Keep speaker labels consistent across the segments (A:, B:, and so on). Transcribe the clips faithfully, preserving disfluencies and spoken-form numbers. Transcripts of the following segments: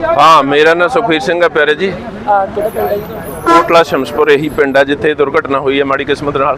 A: हाँ, मेरा नाम सुखवीर सिंह है प्यारे जी। कोटला शमसपुर यही पिंड है जिथे दुर्घटना हुई है माड़ी किस्मत नाल।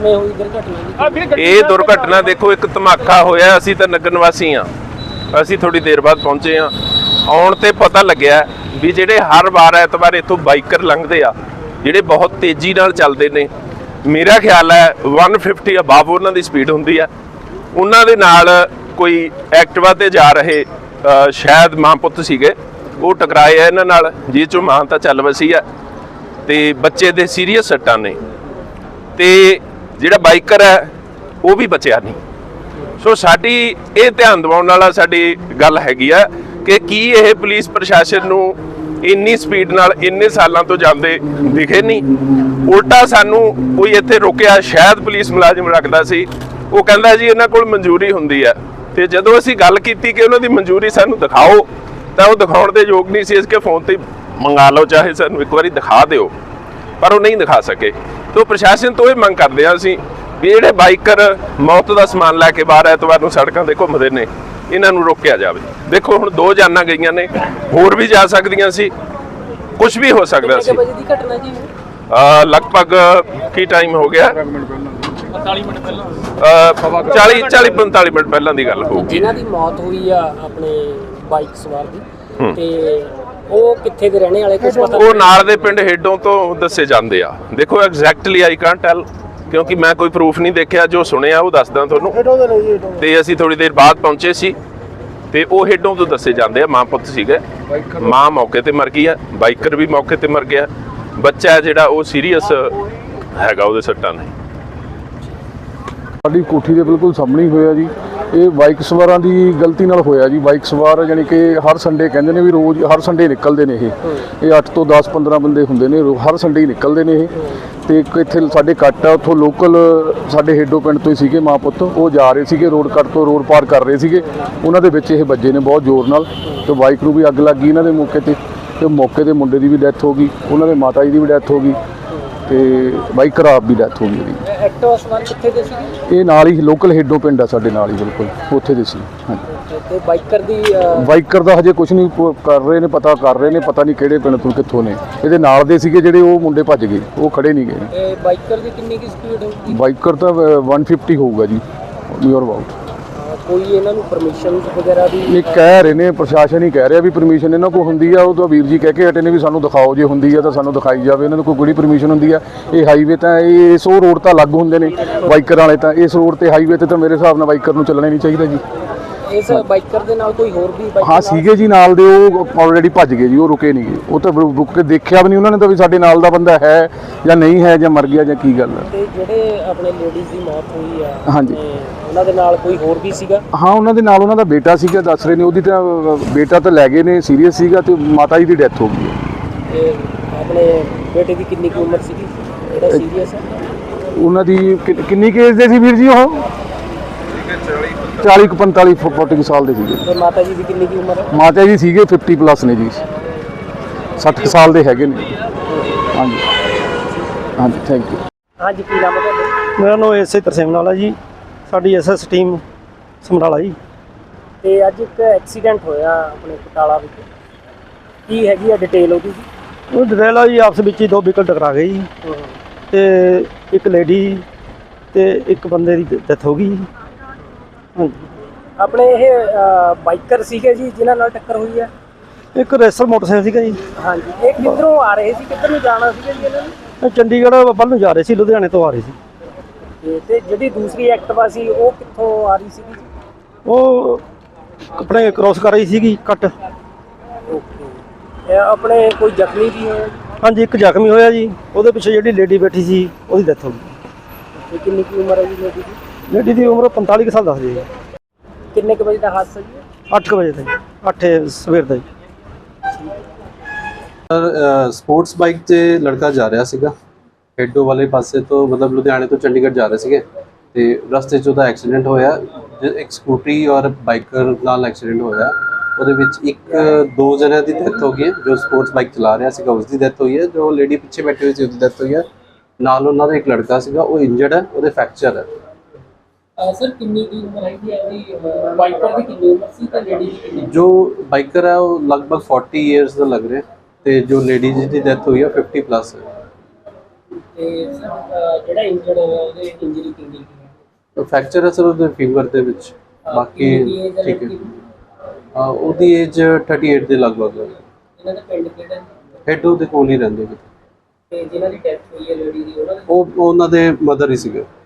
A: ये दुर्घटना देखो एक धमाका होया, असीं तां नगर निवासी हाँ, असीं थोड़ी देर बाद पहुंचे हाँ। आउण ते पता लग्या भी जिहड़े हर वार ऐतवार इत्थों बाइकर लंघदे आ जिहड़े बहुत तेजी नाल चलदे ने, मेरा ख्याल है वन फिफ्टी अबाव उन्हां दी स्पीड हुंदी है, उन्हां दे नाल कोई एक्टिवा ते जा रहे आ, शायद मां पुत्त सीगे, वो टकराए है इन्हां नाल, जिस चों मां तां चल वसी है ते बच्चे दे सीरीयस सट्टां ने ते जिहड़ा बाइकर है वो भी बचिया नहीं। सो साडी ये ध्यान दिवाउण वाला साडी गल हैगी है कि की ये पुलिस प्रशासन नूं इन्नी स्पीड नाल इन्ने सालों तो जाते दिखे नहीं, उल्टा सानू कोई इत्थे रोकिया, शायद पुलिस मुलाजिम रखदा सी, वो कहंदा जी इन्हां कोल मंजूरी हुंदी है, ते जदों असीं गल कीती कि उन्हां दी मंजूरी सानू दिखाओ तां वो दिखाउण दे योग नहीं सी, इसके फोन ते मंगा लो चाहे सानू एक बारी दिखा दिओ, पर वो नहीं दिखा सके। तो प्रशासन तो ये मंग करदे आ असीं भी जिहड़े बाइकर मौत दा समान लैके बाहर ऐतवार नूं सड़कां ते घुंमदे ने इन्हां नूं रोकिया जावे। देखो हुण दो जानां गईयां ने, होर भी जा सकदियां सी, कुछ भी हो सकदा सी। लगभग की टाइम हो गया, चाली चाली पैंताली मिनट पहलां दी गल होगी।
B: जिन्हां दी मौत हुई आ अपने बाइक सवार दी ते ਉਹ ਕਿੱਥੇ ਦੇ ਰਹਿਣੇ ਵਾਲੇ ਕੁਝ ਪਤਾ?
A: ਉਹ ਨਾਲ ਦੇ ਪਿੰਡ ਹੇਡੋਂ ਤੋਂ ਦੱਸੇ ਜਾਂਦੇ ਆ। ਦੇਖੋ ਐਗਜ਼ੈਕਟਲੀ ਆਈ ਕਾਂਟ ਟੈਲ ਕਿਉਂਕਿ ਮੈਂ ਕੋਈ ਪ੍ਰੂਫ ਨਹੀਂ ਦੇਖਿਆ, ਜੋ ਸੁਣਿਆ ਉਹ ਦੱਸਦਾ ਤੁਹਾਨੂੰ। ਤੇ ਅਸੀਂ ਥੋੜੀ ਦੇਰ ਬਾਅਦ ਪਹੁੰਚੇ ਸੀ ਤੇ ਉਹ ਹੇਡੋਂ ਤੋਂ ਦੱਸੇ ਜਾਂਦੇ ਆ, ਮਾਂ ਪੁੱਤ ਸੀਗੇ, ਮਾਂ ਮੌਕੇ ਤੇ ਮਰ ਗਈ ਆ, ਬਾਈਕਰ ਵੀ ਮੌਕੇ ਤੇ ਮਰ ਗਿਆ, ਬੱਚਾ ਜਿਹੜਾ ਉਹ ਸੀਰੀਅਸ ਹੈਗਾ, ਉਹਦੇ ਸੱਟਾਂ ਨੇ।
C: ਸਾਡੀ ਕੋਠੀ ਦੇ ਬਿਲਕੁਲ ਸਾਹਮਣੇ ਹੀ ਹੋਇਆ ਜੀ। ਇਹ ਬਾਈਕ ਸਵਾਰਾਂ ਦੀ ਗਲਤੀ ਨਾਲ ਹੋਇਆ ਜੀ। ਬਾਈਕ ਸਵਾਰ ਜਾਨੀ ਕਿ ਹਰ ਸੰਡੇ ਕਹਿੰਦੇ ਨੇ ਵੀ ਰੋਜ਼ ਹਰ ਸੰਡੇ ਨਿਕਲਦੇ ਨੇ ਇਹ ਇਹ ਅੱਠ ਤੋਂ ਦਸ ਪੰਦਰਾਂ ਬੰਦੇ ਹੁੰਦੇ ਨੇ, ਹਰ ਸੰਡੇ ਹੀ ਨਿਕਲਦੇ ਨੇ ਇਹ। ਤੇ ਇੱਕ ਇੱਥੇ ਸਾਡੇ ਕੱਟ ਆ, ਉੱਥੋਂ ਲੋਕਲ ਸਾਡੇ ਹੇਡੋ ਪਿੰਡ ਤੋਂ ਹੀ ਸੀਗੇ ਮਾਂ ਪੁੱਤ, ਉਹ ਜਾ ਰਹੇ ਸੀਗੇ ਰੋਡ ਕੱਟ ਤੋਂ, ਰੋਡ ਪਾਰ ਕਰ ਰਹੇ ਸੀਗੇ, ਉਹਨਾਂ ਦੇ ਵਿੱਚ ਇਹ ਵੱਜੇ ਨੇ ਬਹੁਤ ਜ਼ੋਰ ਨਾਲ ਤੇ ਬਾਈਕ ਨੂੰ ਵੀ ਅੱਗ ਲੱਗ ਗਈ ਇਹਨਾਂ ਦੇ ਮੌਕੇ ਤੇ ਤੇ ਮੌਕੇ ਤੇ ਮੁੰਡੇ ਦੀ ਵੀ ਡੈਥ ਹੋ ਗਈ, ਉਹਨਾਂ ਦੇ ਮਾਤਾ ਜੀ ਦੀ ਵੀ ਡੈਥ ਹੋ ਗਈ ਤੇ ਬਾਈਕ ਖਰਾਬ ਵੀ ਡੈਥ ਹੋ ਗਈ ਇਹਦੀ।
B: ਐਕਟਿਵਾ ਸਵਾਰ ਕਿੱਥੇ ਦੇ ਸੀ?
C: ਇਹ ਨਾਲ ਹੀ ਲੋਕਲ ਹੇਡੋ ਪਿੰਡ ਆ ਸਾਡੇ ਨਾਲ ਹੀ ਬਿਲਕੁਲ, ਉੱਥੇ ਦੇ ਸੀ। ਹਾਂਜੀ,
B: ਤੇ ਬਾਈਕਰ ਦੀ
C: ਬਾਈਕਰ ਦਾ ਹਜੇ ਕੁਝ ਨਹੀਂ ਕਰ ਰਹੇ ਨੇ, ਪਤਾ ਕਰ ਰਹੇ ਨੇ, ਪਤਾ ਨਹੀਂ ਕਿਹੜੇ ਪਿੰਡ ਤੋਂ ਕਿੱਥੋਂ ਨੇ। ਇਹਦੇ ਨਾਲ ਦੇ ਸੀਗੇ ਜਿਹੜੇ, ਉਹ ਮੁੰਡੇ ਭੱਜ ਗਏ, ਉਹ ਖੜੇ ਨਹੀਂ ਗਏ।
B: ਇਹ ਬਾਈਕਰ ਦੀ ਕਿੰਨੀ ਕੀ ਸਪੀਡ ਹੋਊਗੀ?
C: ਬਾਈਕਰ ਤਾਂ ਵਨ ਫਿਫਟੀ ਹੋਊਗਾ ਜੀ, ਨੀਅਰ ਅਬਾਊਟ।
B: ਕੋਈ ਇਹਨਾਂ ਨੂੰ ਪਰਮਿਸ਼ਨ ਵਗੈਰਾ ਦੀ?
C: ਇਹ ਕਹਿ ਰਹੇ ਨੇ, ਪ੍ਰਸ਼ਾਸਨ ਹੀ ਕਹਿ ਰਿਹਾ ਵੀ ਪਰਮਿਸ਼ਨ ਇਹਨਾਂ ਕੋਲ ਹੁੰਦੀ ਆ। ਉਹ ਤਾਂ ਵੀਰ ਜੀ ਕਹਿ ਕੇ ਹਟੇ ਨੇ ਵੀ ਸਾਨੂੰ ਦਿਖਾਓ, ਜੇ ਹੁੰਦੀ ਆ ਤਾਂ ਸਾਨੂੰ ਦਿਖਾਈ ਜਾਵੇ। ਇਹਨਾਂ ਨੂੰ ਕੋਈ ਕਿਹੜੀ ਪਰਮਿਸ਼ਨ ਹੁੰਦੀ ਆ? ਇਹ ਹਾਈਵੇ ਤਾਂ ਇਹ ਇਸ ਉਹ ਰੋਡ ਤਾਂ ਅਲੱਗ ਹੁੰਦੇ ਨੇ ਬਾਈਕਰ ਵਾਲੇ, ਤਾਂ ਇਸ ਰੋਡ ਤੇ ਹਾਈਵੇ ਤੇ ਤਾਂ ਮੇਰੇ ਹਿਸਾਬ ਨਾਲ ਬਾਈਕਰ ਨੂੰ ਚੱਲਣਾ ਨਹੀਂ ਚਾਹੀਦਾ ਜੀ।
B: ਇਸ ਬਾਈਕਰ ਦੇ ਨਾਲ ਕੋਈ ਹੋਰ ਵੀ?
C: ਹਾਂ ਸੀਗੇ ਜੀ ਨਾਲ ਦੇ, ਉਹ ਆਲਰੇਡੀ ਭੱਜ ਗਏ ਜੀ, ਉਹ ਰੁਕੇ ਨਹੀਂ ਗਏ। ਉਹ ਤਾਂ ਰੁਕ ਕੇ ਦੇਖਿਆ ਵੀ ਨਹੀਂ ਉਹਨਾਂ ਨੇ ਤਾਂ ਵੀ ਸਾਡੇ ਨਾਲ ਦਾ ਬੰਦਾ ਹੈ ਜਾਂ ਨਹੀਂ ਹੈ, ਜਾਂ ਮਰ ਗਿਆ ਜਾਂ ਕੀ ਗੱਲ ਹੈ।
B: ਤੇ ਜਿਹੜੇ ਆਪਣੇ ਲੇਡੀਜ਼ ਦੀ ਮੌਤ ਹੋਈ ਆ,
C: ਹਾਂਜੀ,
B: ਉਹਨਾਂ ਦੇ ਨਾਲ ਕੋਈ ਹੋਰ ਵੀ ਸੀਗਾ?
C: ਹਾਂ, ਉਹਨਾਂ ਦੇ ਨਾਲ ਉਹਨਾਂ ਦਾ ਬੇਟਾ ਸੀਗਾ, ਦੱਸ ਰਹੇ ਨੇ। ਉਹਦੀ ਤਾਂ ਬੇਟਾ ਤਾਂ ਲੈ ਗਏ ਨੇ, ਸੀਰੀਅਸ ਸੀਗਾ, ਤੇ ਮਾਤਾ ਜੀ ਦੀ ਡੈਥ ਹੋ ਗਈ ਹੈ।
B: ਤੇ ਆਪਣੇ ਬੇਟੇ ਦੀ ਕਿੰਨੀ ਕੁ ਉਮਰ ਸੀਗੀ ਜਿਹੜਾ ਸੀਰੀਅਸ ਹੈ?
C: ਉਹਨਾਂ ਦੀ ਕਿੰਨੀ ਕੁ ਏਜ ਦੇ ਸੀ ਵੀਰ ਜੀ? ਉਹ ਚਾਲੀ ਪੰਤਾਲੀ ਚਾਲੀ ਸਾਲ ਦੇ ਸੀਗੇ।
B: ਤੇ ਮਾਤਾ ਜੀ ਦੀ ਕਿੰਨੀ ਕੁ ਉਮਰ ਹੈ?
C: ਮਾਤਾ ਜੀ ਸੀਗੇ ਪਚਾਸ ਪਲੱਸ ਨੇ ਜੀ, ਸੱਠ ਸਾਲ ਦੇ ਹੈਗੇ ਨੇ। ਹਾਂਜੀ ਹਾਂਜੀ, ਥੈਂਕ ਯੂ।
B: ਹਾਂਜੀ, ਕੀ ਨਾਮ ਹੈ ਤੁਹਾਡਾ?
D: ਮੇਰਾ ਨਾਮ ਐਸ ਆਈ ਤਰਸੇਮ ਨਾਲ ਹੈ ਜੀ, ਸਾਡੀ ਐਸ ਐਸ ਟੀਮ ਸਮਰਾਲਾ ਜੀ।
B: ਤੇ ਅੱਜ ਇੱਕ ਐਕਸੀਡੈਂਟ ਹੋਇਆ ਆਪਣੇ ਬਟਾਲਾ ਵਿੱਚ, ਕੀ ਹੈਗੀ ਆ ਡਿਟੇਲ ਉਹਦੀ?
D: ਉਹ ਡਿਟੇਲ ਆ ਜੀ, ਆਪਸ ਵਿੱਚ ਹੀ ਦੋ ਵਹੀਕਲ ਟਕਰਾ ਗਏ ਜੀ, ਤੇ ਇੱਕ ਲੇਡੀ ਤੇ ਇੱਕ ਬੰਦੇ ਦੀ ਡੈਥ ਹੋ ਗਈ। ਹਾਂਜੀ,
B: ਆਪਣੇ ਇਹ ਬਾਈਕਰ ਸੀਗੇ ਜੀ ਜਿਨ੍ਹਾਂ ਨਾਲ ਟੱਕਰ ਹੋਈ ਹੈ?
D: ਇੱਕ ਰੇਸਰ ਮੋਟਰਸਾਈਕਲ ਸੀਗਾ ਜੀ।
B: ਹਾਂਜੀ, ਇਹ ਕਿੱਧਰੋਂ ਆ ਰਹੇ ਸੀ, ਕਿੱਧਰ ਨੂੰ ਜਾਣਾ ਸੀਗਾ ਜੀ ਇਹਨਾਂ ਨੇ?
D: ਇਹ ਚੰਡੀਗੜ੍ਹ ਵੱਲ ਨੂੰ ਜਾ ਰਹੇ ਸੀ, ਲੁਧਿਆਣੇ ਤੋਂ ਆ ਰਹੇ ਸੀ।
B: ਤੇ ਜਿਹੜੀ ਦੂਸਰੀ ਐਕਟਿਵਾ ਸੀ ਉਹ ਕਿੱਥੋਂ ਆ ਰਹੀ ਸੀਗੀ?
D: ਉਹ ਆਪਣੇ ਕ੍ਰੋਸ ਕਰ ਰਹੀ ਸੀਗੀ ਕੱਟ।
B: ਓਕੇ, ਆਪਣੇ ਕੋਈ ਜ਼ਖਮੀ ਵੀ ਹੋਇਆ?
D: ਹਾਂਜੀ, ਇੱਕ ਜ਼ਖਮੀ ਹੋਇਆ ਜੀ, ਉਹਦੇ ਪਿੱਛੇ ਜਿਹੜੀ ਲੇਡੀ ਬੈਠੀ ਸੀ ਉਹਦੀ ਡੈਥ ਹੋ ਗਈ।
B: ਕਿੰਨੀ ਕੀ ਉਮਰ ਹੈ ਜੀ ਲੇਡੀ ਦੀ?
D: ਲੇਡੀ ਦੀ ਉਮਰ ਪੰਤਾਲੀ ਕੁ ਸਾਲ ਦੱਸਦੀ ਹੈ।
B: ਕਿੰਨੇ ਕੁ ਵਜੇ ਦਾ ਹਾਦਸਾ ਜੀ?
D: ਅੱਠ ਕੁ ਵਜੇ ਦਾ, ਅੱਠ ਸਵੇਰ ਦਾ ਜੀ।
E: ਸਰ, ਸਪੋਰਟਸ ਬਾਈਕ 'ਤੇ ਲੜਕਾ ਜਾ ਰਿਹਾ ਸੀਗਾ ਹੇਡੋ ਵਾਲੇ ਪਾਸੇ ਤੋਂ, ਮਤਲਬ ਲੁਧਿਆਣੇ ਤੋਂ ਚੰਡੀਗੜ੍ਹ ਜਾ ਰਹੇ ਸੀਗੇ, ਤੇ ਰਸਤੇ 'ਚ ਉਹਦਾ ਐਕਸੀਡੈਂਟ ਹੋਇਆ। ਇੱਕ ਸਕੂਟਰੀ ਔਰ ਬਾਈਕਰ ਨਾਲ ਐਕਸੀਡੈਂਟ ਹੋਇਆ, ਉਹਦੇ ਵਿੱਚ ਇੱਕ ਦੋ ਜਣਿਆਂ ਦੀ ਡੈਥ ਹੋ ਗਈ ਹੈ। ਜੋ ਸਪੋਰਟਸ ਬਾਈਕ ਚਲਾ ਰਿਹਾ ਸੀਗਾ ਉਸ ਦੀ ਡੈਥ ਹੋਈ ਹੈ, ਜੋ ਲੇਡੀ ਪਿੱਛੇ ਬੈਠੀ ਹੋਈ ਸੀ ਉਹਦੀ ਡੈਥ ਹੋਈ ਹੈ। ਨਾਲ ਉਹਨਾਂ ਦਾ ਇੱਕ ਲੜਕਾ ਸੀਗਾ, ਉਹ ਇੰਜਰਡ ਹੈ, ਉਹਦੇ ਫ੍ਰੈਕਚਰ ਹੈ।
B: ਸਰ ਕਿੰਨੀ ਦੀ ਉਮਰ ਹੈਗੀ ਹੈ ਜੀ ਬਾਈਕਰ ਦੀ ਕਿੰਨੀ ਉਮਰ ਸੀ ਤੇ ਲੇਡੀ ਦੀ ਕਿੰਨੀ?
E: ਜੋ ਬਾਈਕਰ ਹੈ ਉਹ ਲਗਭਗ ਚਾਲੀ ਇਅਰਸ ਦਾ ਲੱਗ ਰਿਹਾ ਤੇ ਜੋ ਲੇਡੀ ਦੀ ਡੈਥ ਹੋਈ ਹੈ ਪਚਾਸ ਪਲੱਸ ਹੈ।
B: ਤੇ ਸਰ ਜਿਹੜਾ ਇੰਜਰਡ ਹੋਇਆ ਉਹਦੇ ਇੰਜਰੀ ਕਿੰਨੀ ਕੀ ਹੈ?
E: ਫ੍ਰੈਕਚਰ ਹੈ ਸਰ ਉਹਦੇ ਫਿੰਗਰ ਦੇ ਵਿੱਚ। ਬਾਕੀ
B: ਕਿੰਨੀ age ਹੈ
E: ਠੀਕ ਹੈ।
B: ਲੜਕੀ ਦੀ?
E: ਹਾਂ, ਉਹਦੀ ਏਜ ਅਠਾਈ ਦੇ ਲਗਭਗ ਹੈ।
B: ਇਹਨਾਂ ਦਾ ਪਿੰਡ ਕਿਹੜਾ ਹੈ?
E: ਹੈਡੋ ਦੇ ਕੋਲ ਹੀ ਰਹਿੰਦੇ ਨੇ।
B: ਤੇ ਜਿਨ੍ਹਾਂ ਦੀ ਡੈਥ ਹੋਈ ਹੈ ਲੇਡੀ ਦੀ ਉਹਨਾਂ ਦਾ
E: ਉਹ ਉਹਨਾਂ ਦੇ ਮਦਰ ਹੀ ਸੀਗੇ।